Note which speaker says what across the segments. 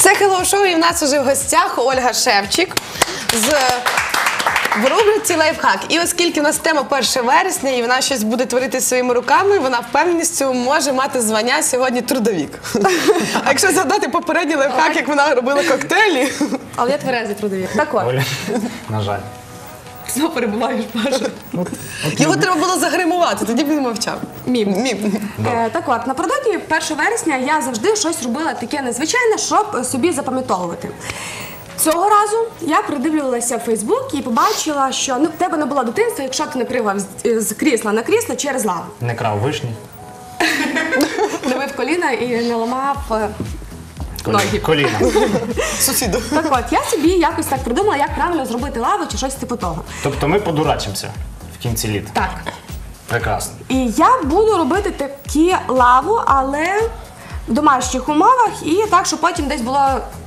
Speaker 1: Це Hello Show, і в нас уже в гостях Ольга Шевчик в рубриці «Лайфхак». І оскільки у нас тема 1 вересня, і вона щось буде творити своїми руками, вона впевненістю може мати звання сьогодні трудовік. А якщо згадати попередній лайфхак, як вона робила коктейлі...
Speaker 2: Але я тверезий трудовік. Так от.
Speaker 3: Оля, на жаль.
Speaker 2: Знову перебуваєш, Паша.
Speaker 1: Його треба було загримувати, тоді б він мовчав. Мім.
Speaker 2: Так от, напередодні 1 вересня я завжди щось робила таке незвичайне, щоб собі запам'ятовувати. Цього разу я придивлювалася в Фейсбук і побачила, що в тебе не було дитинства, якщо ти не пригав з крісла на крісло через лаву.
Speaker 3: Не крав вишні.
Speaker 2: Не бив коліна і не ламав ноги.
Speaker 3: Коліна.
Speaker 1: Сусіду.
Speaker 2: Так от, я собі якось так придумала, як правильно зробити лаву чи щось типу того.
Speaker 3: Тобто ми подурачимося в кінці літа.
Speaker 2: Так.
Speaker 3: Прекрасно.
Speaker 2: І я буду робити такі лаву, але в домашніх умовах і так, щоб потім десь було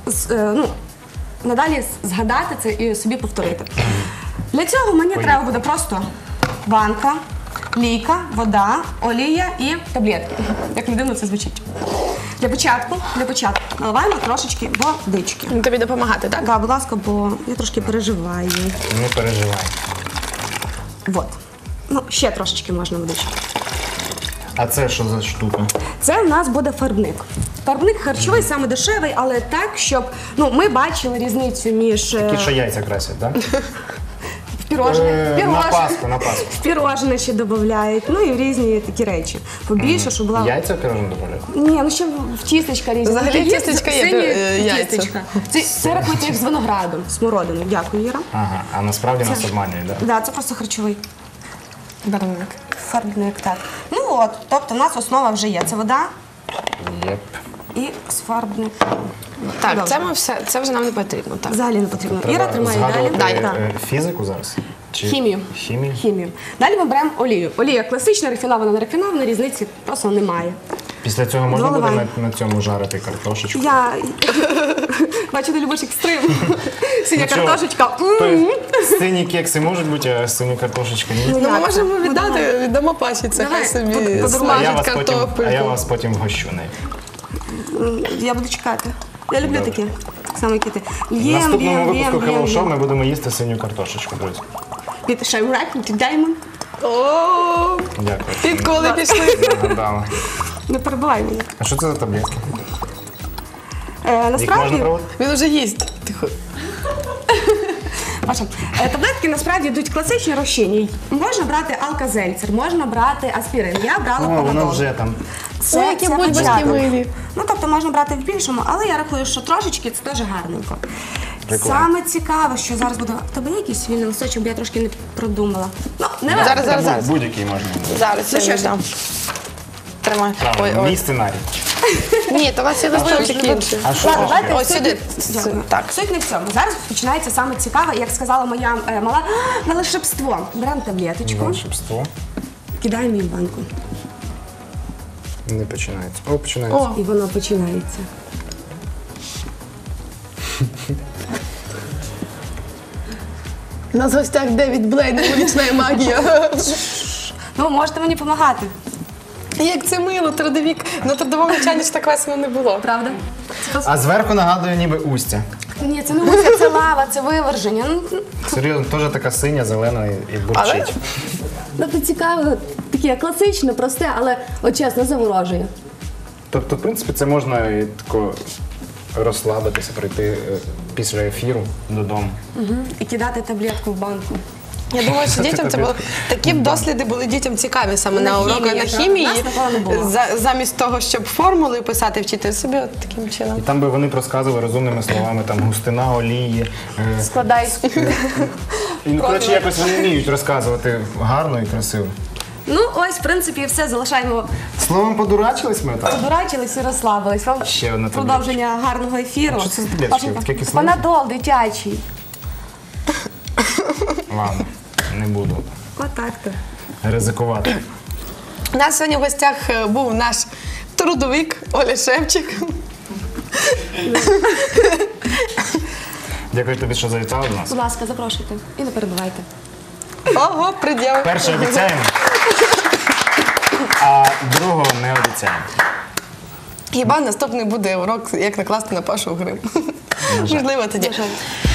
Speaker 2: надалі згадати це і собі повторити. Для цього мені треба буде просто банка, лійка, вода, олія і таблетки. Як не дивно це звучить. Для початку наливаємо трошечки водички.
Speaker 1: Тобі допомагати, так?
Speaker 2: Так, будь ласка, бо я трошки переживаю.
Speaker 3: Не переживай.
Speaker 2: Вот. Ну, ще трошечки можна водички.
Speaker 3: А це що за штука?
Speaker 2: Це в нас буде фарбник. Фарбник харчовий, саме дешевий, але так, щоб ми бачили різницю між
Speaker 3: Ті, що яйця красять, так?
Speaker 2: в пірожне,
Speaker 3: На Пасху.
Speaker 2: в пірожне ще додають, ну і в різні такі речі. Побільше, щоб була...
Speaker 3: Яйця в пірожне додають?
Speaker 2: Ні, ну ще в тістечка різні.
Speaker 1: Взагалі тістечка є,
Speaker 2: сині
Speaker 1: яйця.
Speaker 2: тістечка. Це рахується як з виноградом, смородиною. Дякую, Іра.
Speaker 3: Ага, а насправді нас обманюють, так?
Speaker 2: Так, це просто харчовий
Speaker 1: Барвник.
Speaker 2: фарбник, так. Ну от, тобто у нас основа вже є. Це вода
Speaker 3: Єп.
Speaker 2: і фарбник.
Speaker 1: Так,
Speaker 2: Добре.
Speaker 1: це вже нам не потрібно. Так.
Speaker 2: Взагалі не потрібно. Іра
Speaker 3: Треба
Speaker 2: тримає далі.
Speaker 3: згадувати
Speaker 2: Так.
Speaker 3: фізику зараз? Чи
Speaker 2: Хімію.
Speaker 3: Хімію?
Speaker 2: Хімію. Далі ми беремо олію. Олія класична, рафінована, не рафінована, різниці просто немає.
Speaker 3: Після цього можна буде
Speaker 2: Доливай.
Speaker 3: на цьому жарити картошечку?
Speaker 2: Я бачу, ти любиш екстрим. Синя
Speaker 3: Ну, чого?
Speaker 2: картошечка.
Speaker 3: Сині кекси можуть бути, а сині картошечки ні?
Speaker 1: Ну, ми
Speaker 2: як
Speaker 1: можемо
Speaker 2: це?
Speaker 1: віддамо Паші, це хай
Speaker 2: Давай,
Speaker 1: собі
Speaker 3: А я
Speaker 1: смажить
Speaker 3: вас потім,
Speaker 1: картопельку.
Speaker 3: а я вас потім вгощу нею.
Speaker 2: Я буду чекати. Я люблю
Speaker 3: Добре.
Speaker 2: такі. Так само, як і ти.
Speaker 3: В наступному випуску Hello Show ми будемо їсти синю картошечку, друзі.
Speaker 2: Під шайрак, під даймон.
Speaker 1: О,
Speaker 3: Дякую.
Speaker 1: підколи пішли.
Speaker 3: Нагадала.
Speaker 2: Не перебивай мене.
Speaker 3: А що це за таблетки? Їх можна
Speaker 2: Насправді,
Speaker 3: проводити?
Speaker 1: Він уже їсть. Тихо.
Speaker 2: Паша, таблетки насправді йдуть класичні розчинні. Можна брати алкозельцер, можна брати аспірин. Я брала
Speaker 3: О, воно
Speaker 2: панадол.
Speaker 3: вже там.
Speaker 1: Ой, які бульбашки
Speaker 2: початок.
Speaker 1: милі.
Speaker 2: Ну, тобто можна брати в більшому, але я рахую, що трошечки це теж гарненько.
Speaker 3: Прикольно.
Speaker 2: Саме цікаве, що зараз буде... В тебе є якийсь вільний листочок, бо я трошки не продумала. Ну, не важливо.
Speaker 1: Зараз.
Speaker 3: Будь-який можна.
Speaker 1: Зараз
Speaker 2: Ну,
Speaker 1: я
Speaker 2: що ж.
Speaker 1: віддам. Тримай.
Speaker 3: Правильно, мій сценарій.
Speaker 1: Ні, то у вас є листочок інший.
Speaker 3: А що
Speaker 2: Ладно,
Speaker 3: ще?
Speaker 2: давайте
Speaker 1: Ось сюди.
Speaker 2: Дякую.
Speaker 1: Так.
Speaker 2: Суть не в цьому. Зараз починається саме цікаве, як сказала моя мала, волшебство. Беремо таблеточку,
Speaker 3: Волшебство.
Speaker 2: кидаємо її в банку.
Speaker 3: Не починається. О, починається.
Speaker 2: І воно починається.
Speaker 1: У нас в гостях Девід Блейн, вулична магія.
Speaker 2: Ну, можете мені допомагати.
Speaker 1: Як це мило, трудовік. На трудовому навчанні ж так весело не було.
Speaker 2: Правда?
Speaker 3: А зверху нагадує ніби устя.
Speaker 2: Ні, це не муся, це лава, це виверження.
Speaker 3: Серйозно, теж така синя, зелена і
Speaker 1: Але
Speaker 3: бурчить.
Speaker 2: Тобто цікаве, таке класичне, просте, але от чесно заворожує.
Speaker 3: Тобто, в принципі, це можна і тако розслабитися, прийти після ефіру додому.
Speaker 2: І кидати таблетку в банку.
Speaker 1: я думаю, що дітям це було такі б досліди були дітям цікаві саме на уроках на хімії.
Speaker 2: Нас такого не було.
Speaker 1: Замість того, щоб формули писати, вчити собі от таким чином.
Speaker 3: І там би вони б розказували розумними словами, там густина олії.
Speaker 2: Складай.
Speaker 3: І, коротше, якось вони вміють розказувати гарно і красиво.
Speaker 2: Ну, ось, в принципі, і все. Залишаємо.
Speaker 3: Словом, подурачились ми так?
Speaker 2: Подурачились і розслабились. Вам
Speaker 3: Ще одна
Speaker 2: продовження гарного ефіру.
Speaker 3: А що це за таблеточки? Таке кисленьке?
Speaker 2: Панадол дитячий.
Speaker 3: Ладно, не буду
Speaker 2: Отак-то.
Speaker 3: ризикувати.
Speaker 1: У нас сьогодні в гостях був наш трудовик Оля Шевчик.
Speaker 3: Дякую тобі, що завітала до нас.
Speaker 2: Будь ласка, запрошуйте. І не перебивайте.
Speaker 1: Ого, приділ.
Speaker 3: Перше обіцяємо, а другого не обіцяємо.
Speaker 1: Хіба наступний буде урок, як накласти на Пашу грим? Можливо, тоді.